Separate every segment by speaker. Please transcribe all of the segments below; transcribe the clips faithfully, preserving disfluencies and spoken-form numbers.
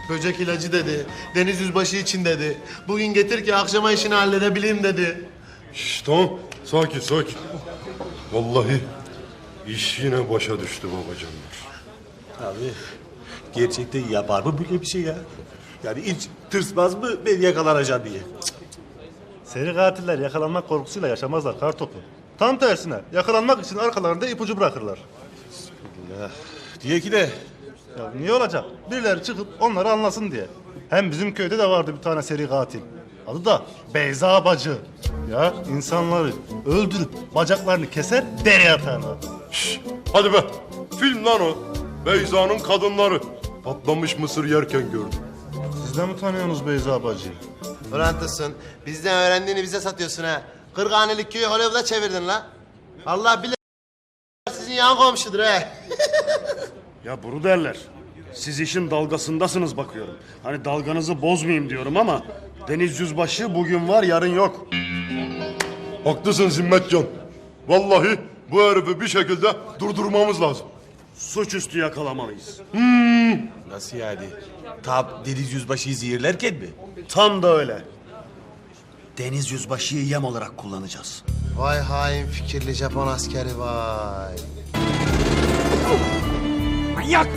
Speaker 1: Böcek ilacı dedi. Deniz yüzbaşı için dedi. Bugün getir ki akşama işini halledebileyim dedi.
Speaker 2: Şşş tamam. Sakin sakin. Vallahi iş yine başa düştü babacanlar.
Speaker 3: Abi gerçekten yapar mı böyle bir şey ya? Yani hiç tırsmaz mı ben yakalanacağım diye?
Speaker 4: Seri katiller yakalanmak korkusuyla yaşamazlar kartopu. Tam tersine yakalanmak için arkalarında ipucu bırakırlar.
Speaker 3: Diye ki de
Speaker 4: Ya niye olacak? Birileri çıkıp onları anlasın diye. Hem bizim köyde de vardı bir tane seri katil. Adı da Beyza Bacı. Ya insanları öldürüp bacaklarını keser deri atarlar.
Speaker 2: Şşş hadi be. Film lan o. Beyza'nın kadınları. Patlamış mısır yerken gördüm.
Speaker 4: Siz de mi tanıyorsunuz Beyza Bacı'yı?
Speaker 1: Fırantısın. Bizden öğrendiğini bize satıyorsun ha. Kırkhanelik köyü Hollywood'a çevirdin la. Allah bilir sizin yan komşudur he.
Speaker 5: Ya bunu derler. Siz işin dalgasındasınız bakıyorum. Hani dalganızı bozmayayım diyorum ama Deniz Yüzbaşı bugün var yarın yok.
Speaker 2: Haklısın Zimmetcan. Vallahi bu herifi bir şekilde durdurmamız lazım.
Speaker 5: Suçüstü yakalamalıyız.
Speaker 3: nasıl yani? Tam Deniz Yüzbaşı'yı zehirlerken mi?
Speaker 5: Tam da öyle.
Speaker 6: Deniz Yüzbaşı'yı yem olarak kullanacağız.
Speaker 1: Vay hain fikirli Japon askeri vay.
Speaker 6: Manyak!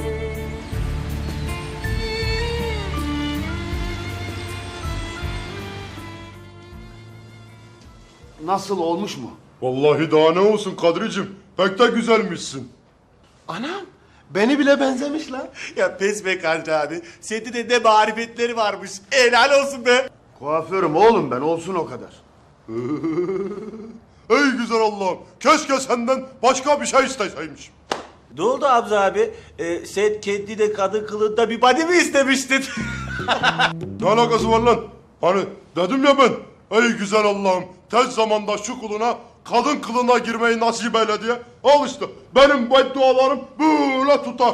Speaker 6: Nasıl olmuş mu?
Speaker 2: Vallahi daha ne olsun Kadricim. Pek de güzelmişsin.
Speaker 1: Anam beni bile benzemiş lan.
Speaker 3: Ya pes be Kadri abi. Sende de ne marifetleri varmış. Helal olsun be.
Speaker 6: Kuaförüm oğlum ben, olsun o kadar.
Speaker 2: Ey güzel Allah'ım. Keşke senden başka bir şey isteseymişim.
Speaker 3: Ne oldu Hamza abi? Ee, sen kendine kadın kılığında bir body mi istemiştin?
Speaker 2: Ne alakası var lan? Hani dedim ya ben. Ey güzel Allah'ım. Tez zamanda şu kuluna kadın kılığına girmeyi nasip eyle diye. Al işte. Benim beddualarım böyle tutar.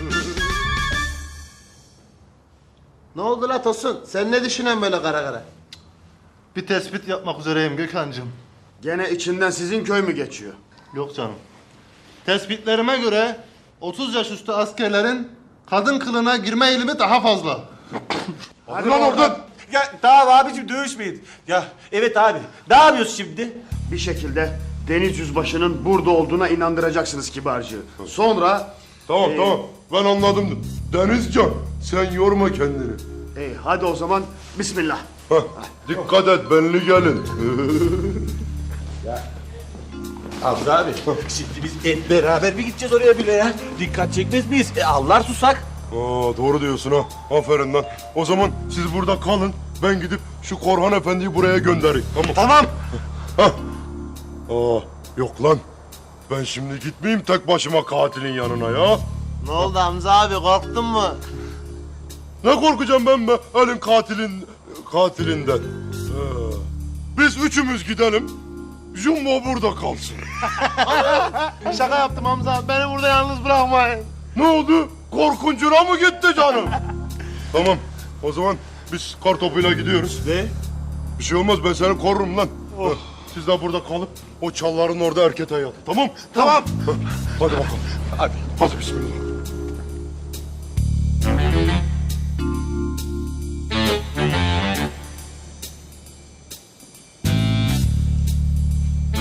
Speaker 1: Ne oldu la Tosun? Sen ne düşünüyorsun böyle kara kara?
Speaker 4: Bir tespit yapmak üzereyim Gökhan'cığım.
Speaker 6: Gene içinden sizin köy mü geçiyor?
Speaker 4: Yok canım. Tespitlerime göre otuz yaş üstü askerlerin kadın kılığına girme eğilimi daha fazla.
Speaker 2: Hadi lan oradan.
Speaker 3: Ya tamam abicim dövüşmeyin. Ya evet abi. Ne yapıyorsun şimdi?
Speaker 6: Bir şekilde Deniz Yüzbaşı'nın burada olduğuna inandıracaksınız kibarcığı. Sonra...
Speaker 2: Tamam
Speaker 6: Ee,
Speaker 2: tamam. Ben anladım. Denizcan sen yorma kendini.
Speaker 6: Ey, hadi o zaman bismillah.
Speaker 2: Heh, dikkat et benli gelin.
Speaker 3: Hamza abi. Şimdi biz hep beraber mi gideceğiz oraya bile ya? Dikkat çekmez miyiz? E avlar susak.
Speaker 2: Aa, doğru diyorsun ha. Aferin lan. O zaman siz burada kalın. Ben gidip şu Korhan Efendi'yi buraya göndereyim. Tamam.
Speaker 3: Tamam.
Speaker 2: Hah. Aa, yok lan. Ben şimdi gitmeyeyim tek başıma katilin yanına ya.
Speaker 1: Ne oldu Hamza abi korktun mu?
Speaker 2: Ne korkacağım ben be elin katilin katilinden. Ee, biz üçümüz gidelim. Jumbo burada kalsın.
Speaker 1: Şaka yaptım Hamza abi. Beni burada yalnız bırakmayın.
Speaker 2: Ne oldu? Korkuncuna mı gitti canım? Tamam. O zaman biz kartopuyla gidiyoruz.
Speaker 3: Ne?
Speaker 2: Bir şey olmaz ben seni korurum lan. Heh, Siz de burada kalıp o çalların orada erkete yatın. Tamam?
Speaker 3: Tamam.
Speaker 2: Heh, Hadi bakalım.
Speaker 3: Hadi.
Speaker 2: Hadi bismillah.